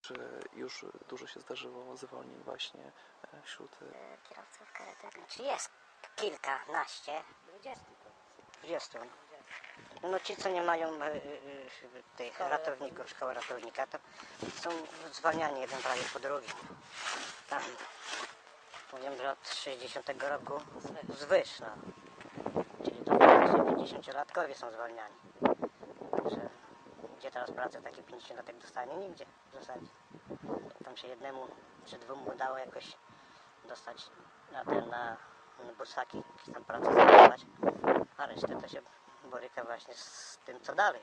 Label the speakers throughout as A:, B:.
A: Czy już dużo się zdarzyło zwolnień właśnie wśród...
B: Kierowców karetek? Czy jest kilkanaście? 20. No ci, co nie mają tych ratowników, szkoły ratownika, to są zwalniani jeden prawie po drugim. Tam, powiem, że od 60 roku zwyż, no. Czyli to właśnie 50-latkowie są zwalniani. Że gdzie teraz pracę taki 50-latek dostanie? Nigdzie w zasadzie. Tam się jednemu czy dwóm udało jakoś dostać na bursaki, jakieś tam pracę zajmować, a resztę to się boryka właśnie z tym, co dalej.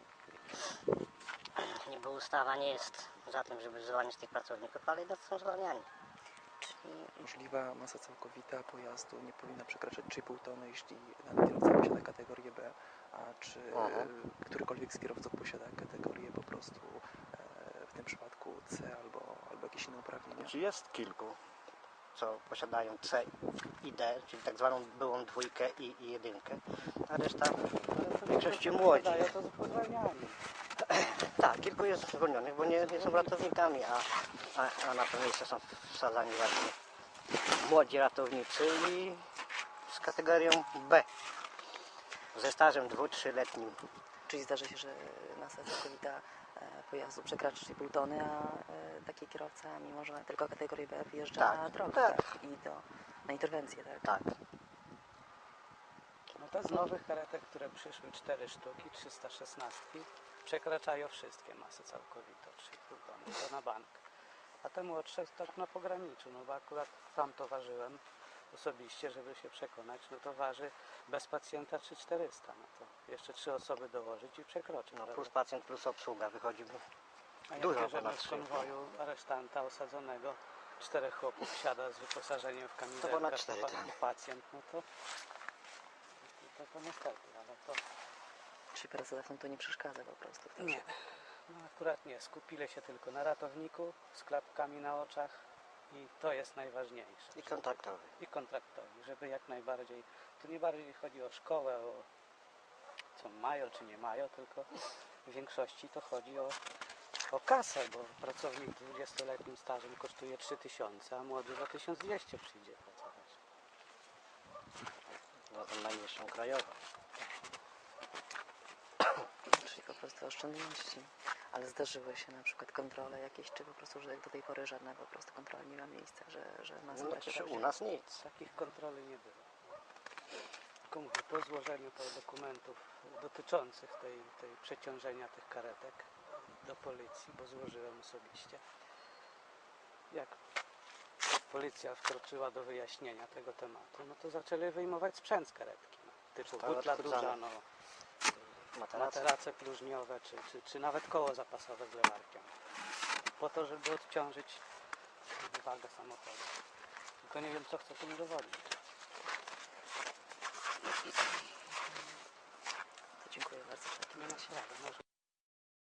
B: Niby ustawa nie jest za tym, żeby zwalniać tych pracowników, ale jednak są zwalniani.
A: Czyli możliwa masa całkowita pojazdu nie powinna przekraczać 3,5 tony, jeśli dany kierowca posiada kategorię B, a czy którykolwiek z kierowców posiada kategorię po prostu w tym przypadku C albo jakieś inne uprawnienia?
B: Znaczy jest kilku, co posiadają C i D, czyli tak zwaną byłą dwójkę i jedynkę, a reszta w większości młodzi. Tak, kilku jest zwolnionych, bo nie są ratownikami, a na to miejsce są wsadzani właśnie młodzi ratownicy i z kategorią B, ze stażem 2-3-letnim.
A: Czyli zdarza się, że masa całkowita pojazdu przekracza 3,5 tony, a taki kierowca, mimo że ma tylko kategorię B, wjeżdża na drogę, tak? I na interwencję, tak?
B: Tak.
C: No to z nowych karetek, które przyszły 4 sztuki, 316, przekraczają wszystkie masy całkowite, 3,5 tony, to na bank. A te młodsze tak na pograniczu, no bo akurat tam to ważyłem osobiście, żeby się przekonać, no to waży bez pacjenta 3,400, no to jeszcze 3 osoby dołożyć i przekroczy.
B: No plus pacjent, plus obsługa wychodzi
C: a
B: dużo
C: jak bierzemy
B: ponad
C: z konwoju aresztanta osadzonego, 4 chłopów siada z wyposażeniem w kamizelkę i pacjent, no to niestety, ale to...
A: Czyli pracodawcom to nie przeszkadza po prostu?
C: Nie, no akurat nie. Skupili się tylko na ratowniku z klapkami na oczach i to jest najważniejsze.
B: I kontraktowy.
C: I kontraktowi, żeby jak najbardziej... Tu nie bardziej chodzi o szkołę, o co mają czy nie mają, tylko w większości to chodzi o kasę, bo pracownik z 20-letnim stażem kosztuje 3000, a młody za 1200 przyjdzie pracować.
B: No to najniższą krajową.
A: Czyli po prostu oszczędności. Ale zdarzyły się na przykład kontrole jakieś, czy po prostu, że do tej pory żadna po prostu kontrola nie ma miejsca, że masa
B: No, u nas nic.
C: Takich kontroli nie było. Tylko mówię, po złożeniu dokumentów dotyczących tej przeciążenia tych karetek do policji, bo złożyłem osobiście. Jak policja wkroczyła do wyjaśnienia tego tematu, no to zaczęli wyjmować sprzęt z karetki. No, typu butla duża, no, materace próżniowe, czy nawet koło zapasowe z lewarkiem. Po to, żeby odciążyć wagę samochodu. Tylko nie wiem, co chcę tym udowodnić.
A: To dziękuję bardzo.
C: Nie ma sprawy.